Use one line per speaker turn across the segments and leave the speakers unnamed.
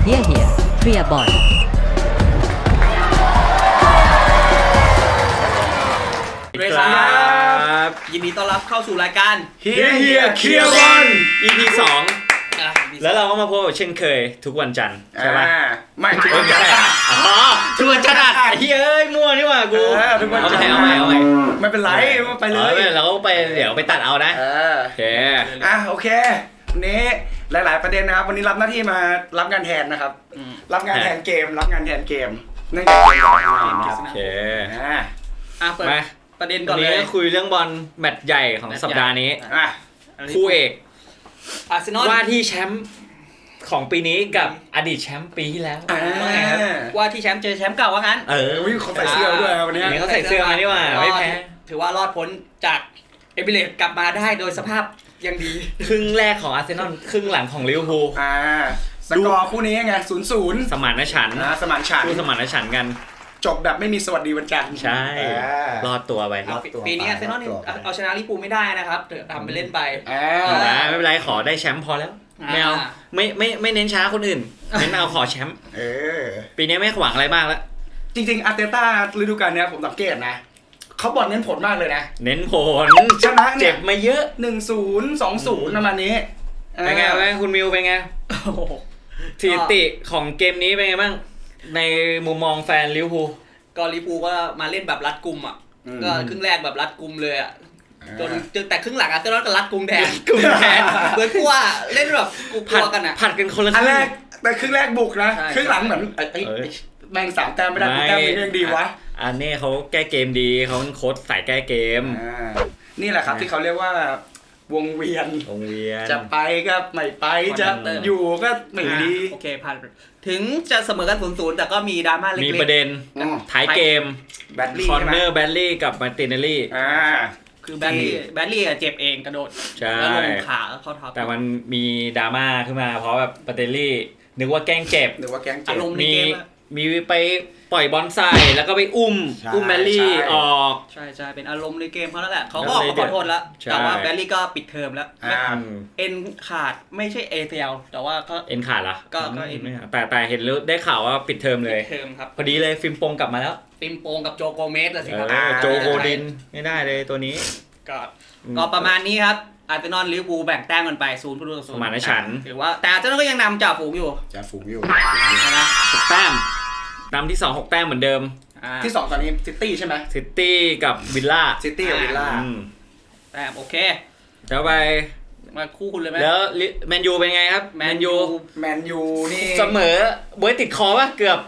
Wir hierเคลียร์บอล
สวัสดีครับยินดีต้อนรับเข้าสู่รายการ
เฮียเคลียร์บอล
EP 2แล้วเราก็มาพบกับเช่นเคยทุกวันจันทร์ใช่ปะ
ไม่ทุกวันจันทร์
อ๋อทุกวันจันทร์อ่ะเฮ้ยมั่วนี่หว่ากู
ทุกวันจันทร์
เอาใหม่
ไม่เป็นไรไปเลย
เราก็ไปเดี๋ยวไปตัดเอานะโอเค
โอเควันนี้หลายๆประเด็นนะครับวันนี้รับหน้าที่มารับงานแทนนะครับรับงานแทนเกมเนื่องจากเกมจะทำงานนะครับ
โอเค
เปิดประเด็นก่
วั
อน น
นี้
เลย
คุยเรื่องบอลแมตช์ใหญ่ของสัปดาห์นี้ คู่เอก
อาร์เซนอล
ว่าที่แชมป์ของปีนี้กับอดีตแชมป์ปีที่แล้ว
ว่าที่แชมป์เจอแชมป์เก่าว่างั้น
เขาใส่เสื้อด้วยวันนี้
เขาใส่เสื้อมานี่ว่าไม่แพ้
ถือว่ารอดพ้นจากเอมิเรตส์กลับมาได้โดยสภาพยังดี
ครึ่งแรกของอาร์เซนอลครึ่งหลังของลิเวอร์พูล
สกอร์คู่นี้ไง 0-0
สมานฉันท์
สมานฉันท์
คู่สมานฉันท์กัน
จบแบบไม่มีสวัสดีวันจันทร์
ใช่รอดตัวไป
ปีนี้อาร์เซนอลเอาชนะลิเวอร์พูลไม่ได้นะครับทำไปเล่นไป
ไม่เป็นไรขอได้แชมป์พอแล้วไม่เอาไม่เน้นช้าคนอื่นเน้นเอาขอแชมป์ปีนี้ไม่หวังอะไรมากแล้ว
จริงๆอาร์เตต้าฤดูกาลนี้ผมสังเกตนะเขาบอลเน้นผลมากเลยนะ
เน้นผล
ชนะเนี่ย
เจ็บมาเยอะ
1-0 2-0 ประมาณนี้
เป็นไงคุณมิวเป็นไงสถิติของเกมนี้เป็นไงบ้างในมุมมองแฟนลิเวอร์พูล
ก็ลิเวอร์พูลก็มาเล่นแบบรัดกุมอ่ะก็ครึ่งแรกแบบรัดกุมเลยอ่ะจนแต่ครึ่งหลังอาร์เซนอลก็รัดกุมแทนเหมือนกูว่าเล่นแบบกูกลัวกันอ่ะ
ผัดกันคนละครึ่ง
แรกแต่ครึ่งแรกบุกนะครึ่งหลังเหมือนแบ่ง3 แต้มไม่ได้แต้มนี้ยังดีวะ
อันนี้เขาแก้เกมดีเขาโค้ชสายแก้เกม
นี่แหละครับที่เขาเรียกว่าวงเวียนจะไปก็ไม่ไปจะอยู่ก็ไม่ดี
โอเคผ่านถึงจะเสมอกัน 0-0 แต่ก็มีดราม่าเล็กๆ
มีประเด็นท้ายเกมคอนเนอร์แบดลี่กับมาร์ติเนลลี่
คือแบดลี่เจ็บเองกระโดดแล้วลงขาเข้าท็อป
แต่มันมีดราม่าขึ้นมาเพราะแบบมาร์ติเนลลี่นึกว่าแกล้งเจ็บ
อารมณ์ในเกม
มีไปปล่อยบอลใส่แล้วก็ไปอุ้มแบดลี่ออก
ใช่เป็นอารมณ์ในเกมเขาแล้วแหละเขาก็ออกมาขอโทษแล้วแต่ว่าแบดลี่ก็ปิดเทอมแล้วเอ็นขาดไม่ใช่ ACL แต่ว่าก็
เอ็นขาดละ
ก็เอ็น
แต่เห็นแล้วได้ข่าวว่าปิดเทอมเลย
ครับ
พอดีเลยฟิล์มโปงกลับมาแล้ว
ฟิล์มโปงกับโจโกเมสสิครับ
โจโกดินไม่ได้เลยตัวนี้
ก็ประมาณนี้ครับอาร์เซนอลลิเวอร์พูลแบ่งแต้มกันไป0-0
สมานฉันท์
ถือว่าแต่อาร์เซนอลก็ยังนำจ่าฝูงอยู่
นะ6 แต้มนำที่2 6 แต้มเหมือนเดิม
ที่2ตอนนี้ซิตี้ใช่ไหม
ซิตี้กับวิลล่า
แต้มโอเค
แล้วไป
มาคู่คุณเลยไหม
แล้วแมนยูเป็นไงครับแมนยู
นี่
เสมอบวยติดคอป่ะเกือ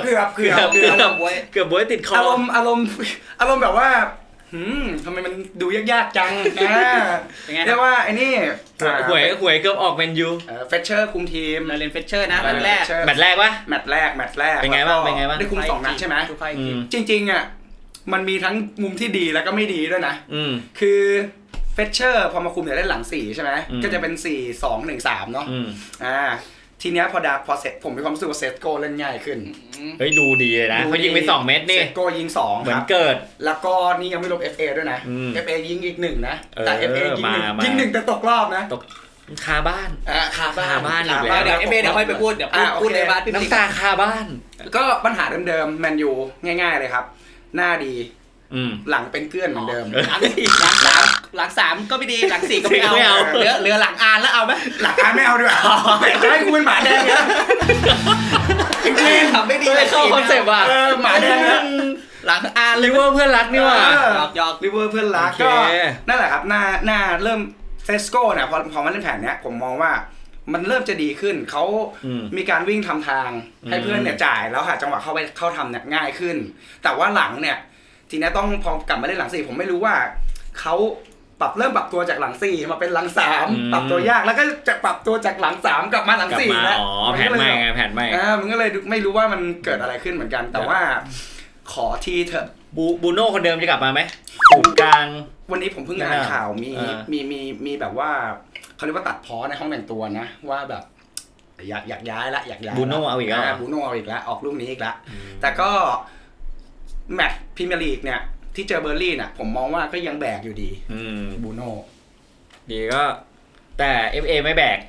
บบวยติดคอ
อารมณ์แบบว่าทำไมมันดูยากๆจังเรียกว่าไอ้นี่
หวยเกือบออกแมนยู
เฟเชอร์คุมทีม
เรนเฟเชอร์นะแมตช์แรก
ปะ
แมตช์แรก
เป็นไงบ้าง
ได้คุม2 นัดใช่ไหมจริงๆอ่ะมันมีทั้งมุมที่ดีแล้วก็ไม่ดีด้วยนะคือเฟเชอร์พอมาคุมเนี่ยได้หลัง4ใช่ไหมก็จะเป็น 4-2-1-3 เนาะทีเนี้ยพอเสร็จผมมีความรู้สึกว่าเซตโกเล่นง่ายขึ้น
เฮ้ยดูดีเลยนะเขายิงไป2 เม็ดนี่
เซตโกยิง2
เหมือนเกิด
แล้วก็นี่ยังไม่รวม FA ด้วยนะ FA ยิงอีก1นะแต่ FA ยิง1แต่ตกรอบนะ
ตกคาบ้าน
คาบ้าน
อีกแล้วเดี๋ยว FA เดี๋ยวค่อยไปพูดในบ้าน
น้ำตาคาบ้าน
ก็ปัญหาเดิมๆแมนยูง่ายๆเลยครับหน้าดีหลังเป็นเกลื่อนเหมือนเดิม
หลัง3ก็ไม่ดีหลัง4ก็ไม่เอาเหลือหลังอานแล้วเอาไหม
หลังอานไม่เอาดีกว่าให้กูเป็นหมาแดงเนี่ย
จริงๆทำไม่ดี
เลยเข้าคอนเซ็ปต์ว่ะ
หมาแดง
หลังอาน
ลิเวอร์เพื่อนรักนี่ว่ะ
หยอก
ลิเวอร์เพื่อนรักก็นั่นแหละครับหน้าเริ่มเซสโก้เนี่ยพอมาเล่นแผนเนี้ยผมมองว่ามันเริ่มจะดีขึ้นเขามีการวิ่งทำทางให้เพื่อนเนี่ยจ่ายแล้วหาจังหวะเข้าทำเนี่ยง่ายขึ้นแต่ว่าหลังเนี่ยทีนี้ต้องพอกลับมาเล่นหลัง4ผมไม่รู้ว่าเขาเริ่มปรับตัวจากหลัง4มาเป็นหลัง3ปรับตัวยากแล้วก็จะปรับตัวจากหลัง3กลับมาหลัง4
แล้วแผนใหม่ไงแผนใหม่
มันก็เลยไม่รู้ว่ามันเกิดอะไรขึ้นเหมือนกันแต่ว่าขอทีเถอะ
บูโน่คนเดิมจะกลับมาไหมกลาง
วันนี้ผมเพิ่งอ่านข่าวมีแบบว่าเขาเรียกว่าตัดพ้อในห้องแต่งตัวนะว่าแบบอยากย้าย
บูโน่เอาอีกแล้ว
ออกลูกนี้อีกแล้วแต่ก็แมตช์พรีเมียร์ลีกเนี่ยที่เจอเบอร์ลี่น่ะผมมองว่าก็ยังแบกอยู่ดีบูโน่
ดีก็แต่ FA ไม่แบก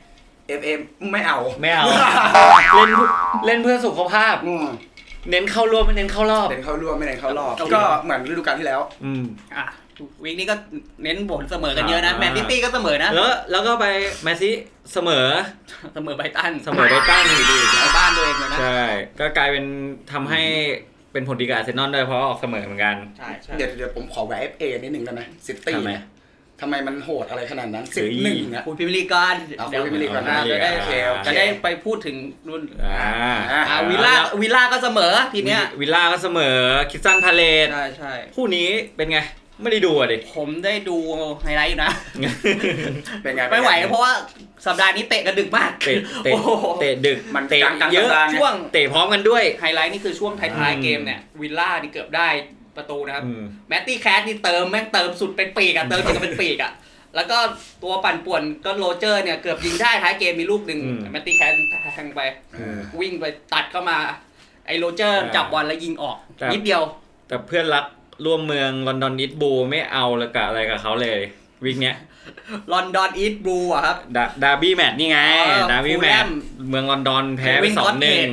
FA ไม่เอา
เล่นเพื่อสุขภาพเน้นเข้ารอบไม่เน้นเข้ารอบ
เน้นเข้ารอบไม่เน้นเข้ารอบก็เหมือนฤดูกาลที่แล้ว
วีคนี้ก็เน้นผลเสมอกันเยอะนะแมนซิตี้ก็เสมอนะ
แล้วก็ไปแมนซิเสมอ
ไบรตัน
อยู่ดี
ในบ้านตัวเองเลยนะ
ใช่ก็กลายเป็นทำให้เป็นผลดีกับอาร์เซนอลด้วยเพราะออกเสมอเหมือนกัน
ใช่
เดี๋ยวผมขอแหวะ FA นิดนึงได้ไหมซิตี้ทำไมมันโหดอะไรขนาดนั้น11นะ
คุณพิมลีก่อนเดี๋ยวพิมลีก่อนนะจะได้ไปพูดถึงรุ่นวิลล่าก็เสมอทีเนี้ย
วิลล่าก็เสมอคิสตันพาเลต
ใช่
คู่นี้เป็นไงไม่ได้ดูอ่ะดิ
ผมได้ดูไฮไลท์อยู่นะ
เป็นไง
ไม่ไหวเพราะว่าสัปดาห์นี้เตะกันดึกมาก
เตะดึก
มันเตะ
เยอะช่วงเตะพร้อมกันด้วย
ไฮไลท์นี่คือช่วงท้ายๆเกมเนี่ยวิลล่านี่เกือบได้ประตูนะครับแมตตี้แคทนี่เติมสุดเป็นปีกอ่ะเติมจนเป็นปีกอ่ะแล้วก็ตัวปั่นป่วนก็โรเจอร์เนี่ยเกือบยิงได้ท้ายเกมมีลูกหนึ่งแมตตี้แคทแทงไปวิ่งไปตัดเข้ามาไอ้โรเจอร์จับบอลแล้วยิงออกนิดเดียว
แต่เพื่อนรักร่วมเมืองลอนดอนอีสต์บลูไม่เอาเลยกับอะไรกับเขาเลยวิกเนี้ย
ลอนดอนอีสต์บลูอ่ะครับ
ดาร์บี้แมตช์นี่ไงดาร์บี้แมตช์เมืองลอนดอนแพ้ไป 2-1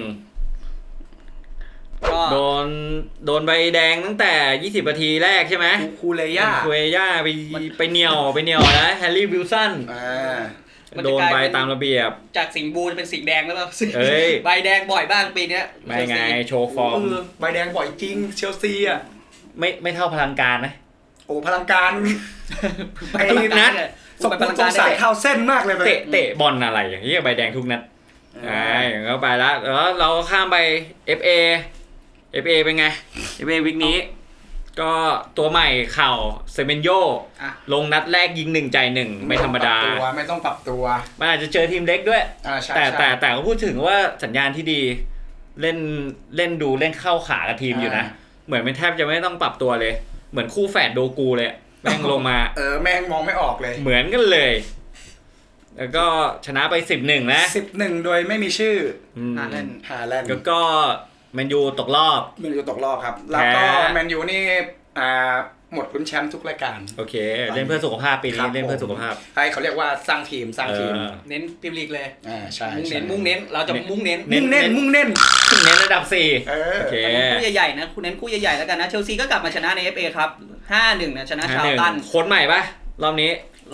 โดนใบแดงตั้งแต่20นาทีแรกใช่ไหม
คูเลย่า
ไปเหนียวนะแฮร์รี่วิลสันโดนใบตามระเบียบ
จากสิงห์บูเป็นสีแดงแล้วใบแดงบ่อยบ้างปีนี้
ไม่ไงโชว์ฟอร์ม
ใบแดงบ่อยจริงเชลซีอ่ะ
ไม่เท่าพลังการนะ
โอ้พลังการไปทุกนัดสงสัยเข้าเส้นมากเลย
เตะบอลอะไรอย่างนี้ใบแดงทุกนัดก็ไปแล้วเราข้ามไป FA เป็นไง FA วิกนี้ก็ตัวใหม่เข่าเซเมนโยลงนัดแรกยิง1 จ่าย 1ไม่ธรรมดา
ไม่ต้องปรับตัว
มันอาจจะเจอทีมเล็กด้วยแต่ก็พูดถึงว่าสัญญาณที่ดีเล่นเข้าขากับทีมอยู่นะเหมือนเป็นแทบจะไม่ต้องปรับตัวเลยเหมือนคู่แฝดโดกูเลยแม่งลงมา
แม่งมองไม่ออกเลย
เหมือนกันเลยแล้วก็ชนะไป 11นะ
11โดยไม่มีชื่อ
ฮาแลนด์
แล้วก็แมนยูตกรอบ
ครับแล้วก็แมนยูนี่หมดลุ้นแชมป์ทุกรายการ
โอเคเล่นเพื่อสุขภาพปีนี้เล่นเพื่อสุขภาพ
เขาเรียกว่าสร้างทีม
เน้นพรีเมียร์ลีกเลย
ใช่
มุ่งเน้นเราจะมุ่งเน้น
ระดับ4โอเค
คู่ใหญ่ๆนะคุณเน้นคู่ใหญ่ๆแล้วกันนะเชลซีก็กลับมาชนะใน FA ครับ 5-1 นะชนะชาวตัน
โค้ชใหม่ป่ะรอบนี้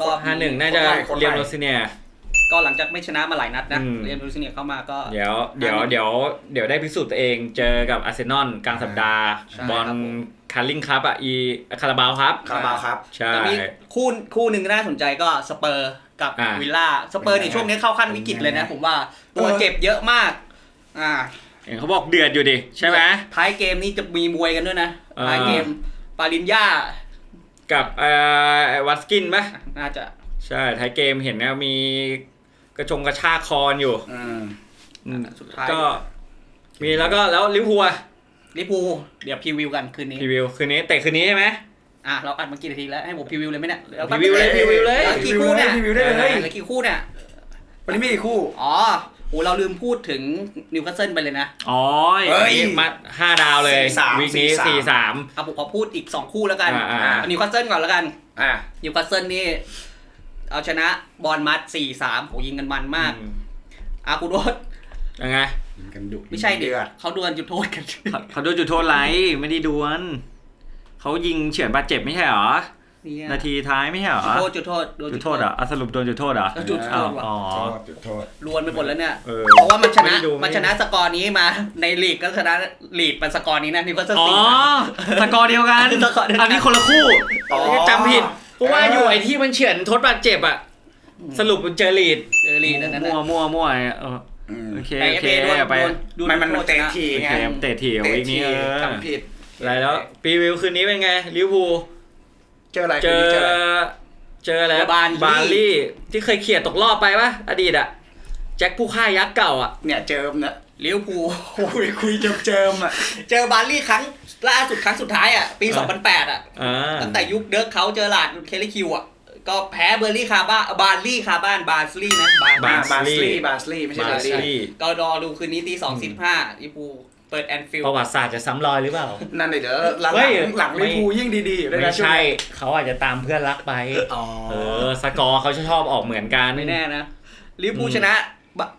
5-1 น่าจะเรียมโรซิเนีย
ก็หลังจากไม่ชนะมาหลายนัดนะเรียมโรซิเนียเข้ามาก็
เดี๋ยวได้พิสูจน์ตัวเองเจอกับอาร์เซนอลกลางสัปดาห์บอลคาร์ลิงครับคาราบาว
ครับ
ใช่
มีคู่หนึ่งน่าสนใจก็สเปอร์กับวิลล่าสเปอร์ในช่วงนี้เข้าขั้นวิกฤตเลยนะผมว่าตัวเจ็บเยอะมาก
เขาบอกเดือดอยู่ดิใช่ไหม
ท้ายเกมนี้จะมีมวยกันด้วยนะท้ายเกมปาลินญ่า
กับวัตสกินป่ะ
น่าจะ
ใช่ท้ายเกมเห็นนะมีกระชากคอนอยู่
สุดท้าย
ก็มีแล้วลิเวอร์พูล
เดี๋ยวพรีวิวกันคืนนี้
คืนนี้ใช่ไหม
เราอัดมากี่นาทีแล้วให้ผมพรีวิวเลยไหมเนี่ย
พรีวิวเลย
กี่คู่เนี่ยกี่คู่เนี่ย
วันนี้มีกี่คู่
เราลืมพูดถึงนิวคาสเซิลไปเลยนะ
มา5 ดาวเลยวีคนี้4-3
ผมขอพูดอีก2คู่แล้วกันนิวคาสเซิลก่อนแล้วกันนิวคาสเซิลนี่เอาชนะบอร์นมัธ 4-3 โหยิงกันมันมากกูโดน
ยังไง
ไม่ใช่เดือดเขาดวลจุดโทษกัน
เขาดวลจุดโทษไรไม่ได้ดวลเขายิงเฉือนบาดเจ็บไม่ใช่หรอนาทีท้ายไม่ใช่หรอ
จุดโทษ
เหรอสรุปโดนจุดโทษเหรอ
จุดโทษ
จุดโทษ
รวนไปหมดแล้วเนี่ยเพราะว่ามันชนะสกอร์นี้มาในลีกก็ชนะลีกเป็นสกอร์นี้นะนี่ก็
สกอร์เดียวกันอันนี้คนละคู่จำผิดเพราะว่าอยู่ไอ้ที่มันเฉือนทดบาดเจ็บอ่ะสรุปเจอลีด
นั่น
มั่วโอเคไป
มันเตะทีไง
เตะทีวีนี้
จำผิด
อะไรแล้วปีวิวคืนนี้เป็นไงลิเวอร์พูล
เจอ
อะไรบาร์ลี่ที่เคยเขี่ยตกรอบไปปะอดีตอะแจ็คผู้ฆ่ายักษ์เก่าอะ
เนี่ยเจิมนะ
ลิเวอร์พูล
คุยเจิมอะ
เจอบาร์ลี่ครั้งล่าสุดครั้งสุดท้ายอะปี 2008อะตั้งแต่ยุคเดิร์กเขาเจอหลาดเคลลี่คิวอะก็แพ้บาร์ลี่คาบ้านบาร์ลี่นะ
บาร์ลี่ไม่ใช่บาร์ลี่
ก็รอดูคืนนี้ตี 2:15ลิเวอร์พูลเปิดแอนฟิลด์
ประวัติศาสตร์จะซ้ำรอยหรือเปล่า
นั่นเดี๋ยวหลังลิเวอร์พูลยิ่งดีๆ
ไม่ใช่เขาอาจจะตามเพื่อนรักไปสกอร์เขาชอบออกเหมือนกัน
ไม่แน่นะลิเวอร์พูลชนะ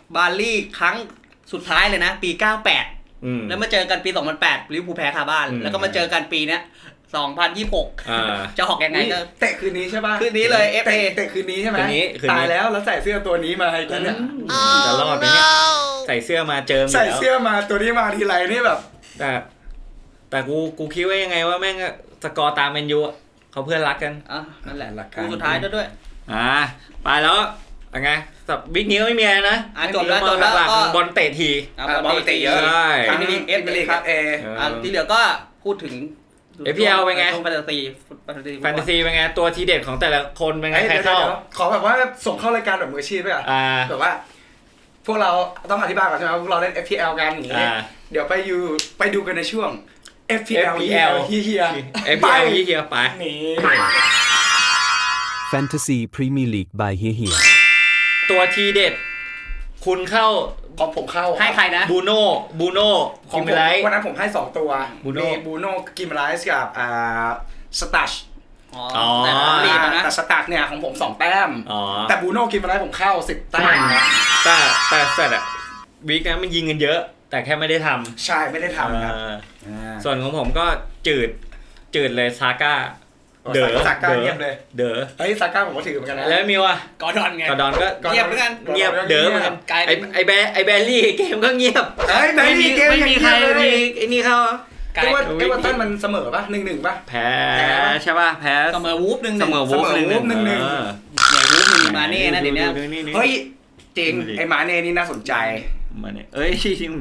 บาร์ลี่ครั้งสุดท้ายเลยนะปี 98
อืม
แล้วมาเจอกันปี 2008ลิเวอร์พูลแพ้คาบ้าน แล้วก็มาเจอกันปีเนี้ย2026 จะหอกยังไงก็
เตะคืนนี้ใช่ป่ะ
คืนนี้เลย FA
เตะคืนนี้ใช่ไหม
คืนนี้
ตายแล้วใส่เสื้อตัวนี้มาให้กันเนี่ย
จะรอดไหมเนี่ยใส่เสื้อมาเจิม
ใส่
แล้ว
เสื้อมาตัวนี้มาทีไรนี่แบบ
แต่กูคิดว่ายังไงว่าแม่งสกอร์ตามแมนยูเขาเพื่อนรักกัน
นั่นแหละ
หลัก
คู่
การ
สุดท้ายด้วย
ไปแล้วยังไงสับบิ๊กนิ้วไม่มีอะไรนะ
จบแล้ว
หลัก
ก็
ๆบอลเตะที
บอลเตะเยอะ
ใช่
ทั้งเอฟลีกครับ
ที่เหลือก็พูดถึง
FPL เป็นไง
แฟนตาซี
แฟนตาซีเป็นไงตัวทีเด็ดของแต่ละคนเป็นไงใครเข้า
ขอแบบว่าส่งเข้ารายการแบบมืออาชีพด้วยอ่ะแบบว่า พวกเราต้องอธิบายก่อนใช่ไหมพวกเราเล่น FPL กันอย่างนี้เดี๋ยวไปดูกันในช่วง FPL เฮีย
FPL เฮียไป
นี่
Fantasy Premier League by เฮีย
ตัวทีเด็ดคุณเข้า
ของผมเข้า
ให้ใครนะ
บูโน่คิมเบลไลท์
วันนั้นผมให้2ตัว
บูโน่
มีบูโน่กิมไลท์กับสตัช
แต่ลีดนะ
แต่สตัชเนี่ยของผม2แต้ม
อ๋อ
แต่บูโน่กิมไลท์ผมเข้า10แต้มนะ
แต่เสร็จอะวีคนั้นมันยิงกันเยอะ แต่แค่ไม่ได้ทำ
ใช่ไม่ได้ทำครับ
ส่วนของผมก็จืดเลยซาก้า
ซาก้าเงียบเลย
เด๋อ
เฮ้ยซาก้าผมก็ถือเหมือนกันนะ
แล้วมิวอะ
กอร์ดอนไง
กอร์ดอนก็
เงียบเหมือนกัน
เงียบเด๋อเหมือนกัน
กลายเป็น
ไอแบลลี่เกมก็เงียบ
เฮ้ยไม่มีเกม
ไม่มีใครมีไอ้นี่เข้า
กลาย
เอเวอร์ตันมันเสมอป่ะ1-1ป่ะ
แพ้ใช่ป่ะแพ้
เสมอวูฟหนึ่ง
เสมอวูฟหนึ่ง
1-1
เหนื่อยวูฟหนึ่งมาเน่นะเดี๋ยวนี้
เฮ้ยจริงไอ้หมาเน่นี่น่าสนใจ
มาเนี่ยเอ้ย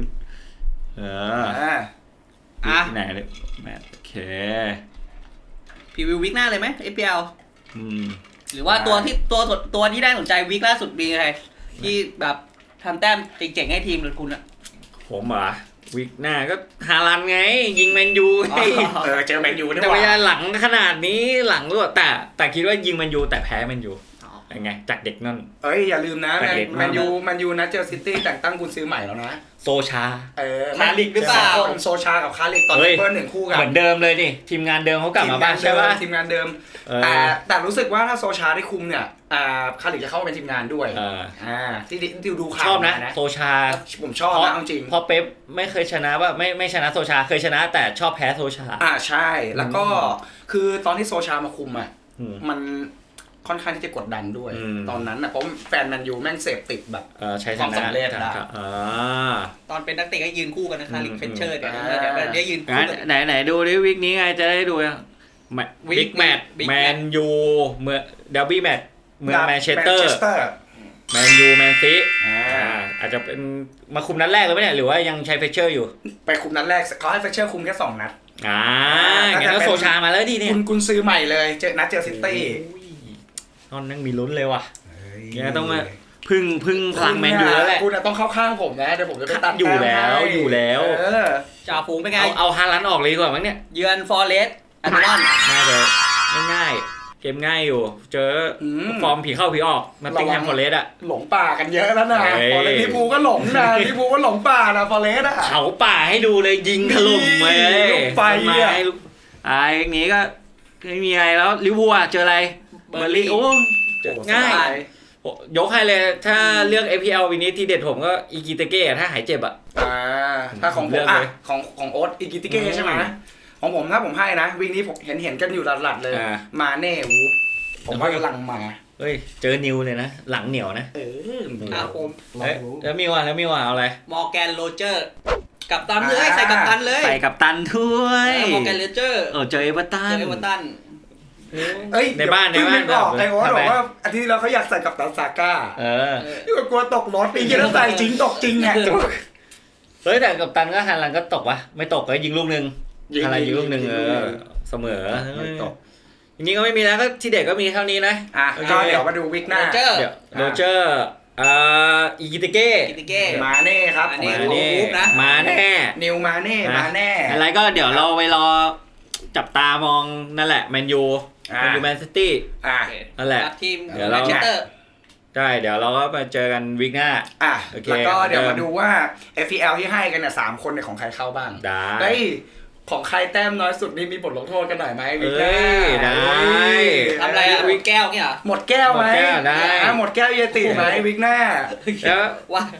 ที่ไหนเลยแมทโอเค
พรีวิววีคหน้าเลยไหม FPL
ม
หรือว่าตัวที่ได้สนใจวีคล่าสุดมีใครที่แบบทำแต้มเจ๋งๆให้ทีมหรือคุณอะ
ผมเหรอวิกหน้าก็ฮาลันไง ยิงแมนยูไง
เจอแมนยูได้
แต่
ว่า
เวลาหลังขนาดนี้หลังด้วยแต่คิดว่ายิงแมนยูแต่แพ้แมนยูยังไงจากเด็กนั่น
เอ้ยอย่าลืมนะ
แต่เด็ก
แมนยูนะเจอซิตี้แต่งตั้งกุนซื้อใหม่แล้วนะ
โซชา
คาริกหรือเปล่า
คนโซชากับคาริกตอน
เฮ้ย
เพิ่ม1คู่กัน
เหมือนเดิมเลยนี่ทีมงานเดิมเขากลับมาบ้านใช่ป่ะ
ทีมงานเดิม แต่รู้สึกว่าถ้าโซชาได้คุมเนี่ยคาริกจะเข้ามาเป็นทีมงานด้วยที่ดูข่าว
ชอบนะโซชา
ผมชอบนะจริง
พอเป๊ปไม่เคยชนะว่าไม่ชนะโซชาเคยชนะแต่ชอบแพ้โซชา
ใช่แล้วก็คือตอนที่โซชามาคุมมันค่อนข้างที่จะกดดันด้วยตอนนั้นนะเพราะแฟนแมนยูแม่งเสพติดแบบ
ใช้ช
ความ
นะ
สำเร็จอะ
ตอนเป็นนักเตะก็ยืนคู่กันนะคาริกเฟนเชอร์เดี๋ยวยืนคู่กัน
ไหนดูดิวิกนี้ไงจะได้ดูบิ๊กแมตช์แมนยูเมื่อเดลบี้แมตช์เมืองแมนเชสเตอร์แมนยูแมนซีอาจจะเป็นมาคุมนัดแรกเลยไหมเนี่ยหรือว่ายังใช้เฟเชอร์อยู่
ไปคุมนัดแรกเขาให้เฟเชอร์คุมแค่2 นัด
งั้นก็โซชามาแล้วดิเนี่ย
คุณซื้อใหม่เลยเจอซิตี้
ตอนนั้นมีลุ้นเลยว่ะเนี่ยต้องมาพึ่งพลังแมนยูแล้วแหละ
คุณต้องเข้าข้างผมนะเดี๋ยวผมจะไปตัด
อยู่แล้ว
จ่าฝูงเป็นไง
เอาฮาลันออกเลยดีกว่ามั้งเนี่ย
เยือนฟอร์เรสต์อันนอน
น่าจะง่ายเกมง่ายอยู่เจอฟอร์มผีเข้าผีออกมาติ้งแฮมฟอร์เรสต์อะ
หลงป่ากันเยอะแล้วนะฟอร์เรสต์ลิปูก็หลงนะลิปูก็หลงป่านะฟอร์เรสต์อะ
เขาป่าให้ดูเลยยิงถล่มเลย
ไฟอะ
อย่างนี้ก็ไม่มีอะไรแล้วลิเวอร์พูลเจออะไรเบอร์ลี่โอ้ง่ายยกให้เลยถ้าเลือก APL วันนี้ที่เด็ดผมก็อิกิเตเก้ถ้าหายเจ็บอ่ะ
ถ้าของผมของโอ๊ตอิกิเตเก้ใช่ไหมของผมถ้าผมให้นะวิ่งนี้ผมเห็นกันอยู่หลัดๆเลยมาเน่วูฟผมว่ากำลังมา
เฮ้ยเจอนิวเลยนะหลังเหนียวนะ
ผม
แล้วมิวเอาอะไร
มอร์แกนโรเจอร์กับตันเลยใส่กับตันเลย
ใส่กับตันถ้วย
มอร์แกนโรเจอร์
เจอเอเวอร์ตันในบ้าน
บอกไอ้โอ๊ตบอกว่าอาทิตย์เราเขาอยากใส่กับตันซาก้าที่กลัวตกรถปีที่แล้วใส่จริงตกจริงไง
เฮ้ยแต่กับตันก็ฮันลันก็ตกวะไม่ตกก็ยิงลูกนึงอะไรยิงลูกนึงเสมอไม่ตกทีนี้ก็ไม่มีแล้วก็ที่เด็กก็มีเท่านี้นะ
ก็เดี๋ยวมาดูวิกหน้า
โรเจอร์อิกิเตเก้
มาเน่ครับ
มาแน่
นิวมาเน่
อะไรก็เดี๋ยวเราไปรอจับตามองนั่นแหละแมนยูแมนซิตี้นั่นแหละ
ทีม
เดี๋ยวเราใช่เดี๋ยวเราก็มาเจอกันวีคหน้า
แล้วก็เดี๋ยวมาดูว่า FPL ที่ให้กันเนี่ย3 คนเนี่ยของใครเข้าบ้างได้ของใครแต้มน้อยสุดนี่มีบทลงโทษกันหน่อยไหมวิกหน้า
ได้
ทำอะไรอ่ะวิกแก้วเนี่ย
หมดแก้วไหมหมดแก้วเยติไหมวิกหน้า
แล้วว่า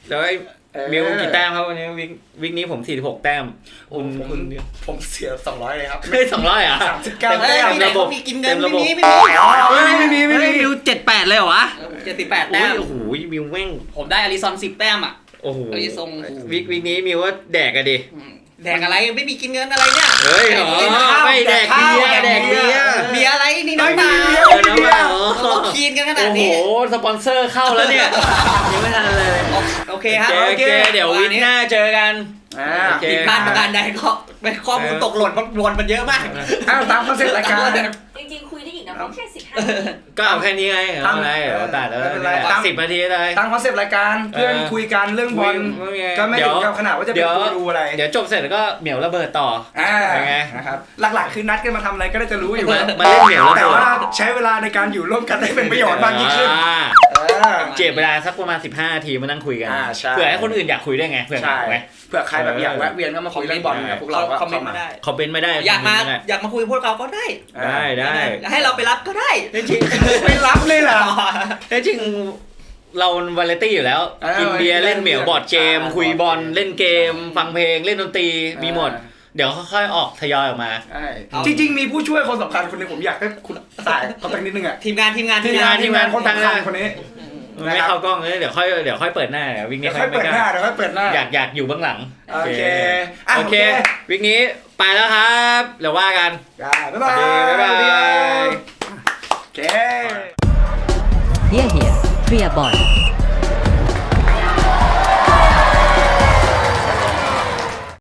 แล้วไอ้มิวกี่แต้มครับวันนี้วิกนี้ผม46แต้ม
ผมเสีย200เลยครับ
ไม่200อ่ะ
39
เฮ้ย
แต้ม
มีไหนเขามีกินเงินไม่มี
ไม่มีมิว78เลยเหรอวะ
78 แต้ม
โอ้โหมิวแม่ง
ผมได้อาริซอน10 แต้มอ่ะ
โอ้โห
อาริซง
วิกนี้มิวว่าแดกอะดิ
แดกอะไรไม่มีกินเงินอะไรเนี่ย
เฮ้ยเหรอไม่แดกเบียร์แดกเบียร์
เบียร์อะไรนี่น้ำเปล่า
น้ำเปล่า
เราคีนกันขนาด
โอ้โห
นี้
สปอนเซอร์เข้าแล้วเนี่ยยังไม่ทันเลย
โอเคครับ
โอเคเดี๋ยววิกหน้าเจอกัน โอเค
ผิดพลาดประการใดก็เป็นข้อมูลตกหล่นมันเยอะมาก
ตามคอนเซ็ปต์รายการ
จริงๆคุยได้อีกนะเพราะแค่15 นาที
ก็เอาแค่นี้ไงเอาอะไรตัดแล้ว
ไม่เป็นไร
10 นาทีเลย
ตามคอนเซ็ปต์รายการเพื่อนคุยกันเรื่องบอลก็ไม่ถึงกับขนาดว่าจะเป็นกูรูอะไร
เดี๋ยวจบเสร็จแล้วก็เหมียวระเบิดต่อเป็นไง
นะครับหลักๆคือนัดกันมาทำอะไรก็ได้จะรู้อยู่แล้ว
มาเล่นเหมียวระ
แต่
เบิด
ว่าใช้เวลาในการอยู่ร่วมกันได้เป็นประโยชน์มากยิ่งขึ้น
เจ็บเวลาสักประมาณ15 นาทีมานั่งคุยกัน
ใช่
เผื่อให้คนอื่นอยากคุยได้ไงเผื่อ
ใช่
ไหม
เผื่อใครแบบอยากแวะเวียนก็มาคุยเรื่องบอลกับพวกเราก็
คอมเมนต์มาได้
คอมเมนต์ไม่ได้
อยากมาคุยพวกเราก็ได้
ได้
ให้เราไปรับก็ได้
จริง
ไม่รับเลยเหรอ
จริงเราวาไรตี้อยู่แล้วกินเบียร์เล่นเหมียวบอร์ดเกมคุยบอลเล่นเกมฟังเพลงเล่นดนตรีมีหมดเดี๋ยวค่อยๆออกทยอยออกมา
จริงๆมีผู้ช่วยคนสำคัญคนหนึงผมอยากให้คุณสายเขาตั้งนิดนึงอ่ะ
ทีมงาน
ทีมงานคนสำคัญคนนี้
ไม่เข้ากล้องเลยเดี๋ยวค่อยเปิดหน้าวิก
เดี๋
นี้
ยวค่อยเปิดหน้า
อยากอยู่เบื้องหลัง
โอเค
โอเควิกนี้ไปแล้วครับเดี๋ยวว่ากัน
บ๊ายบาย
บ๊ายบาย
โอเค
Hier, Priabon.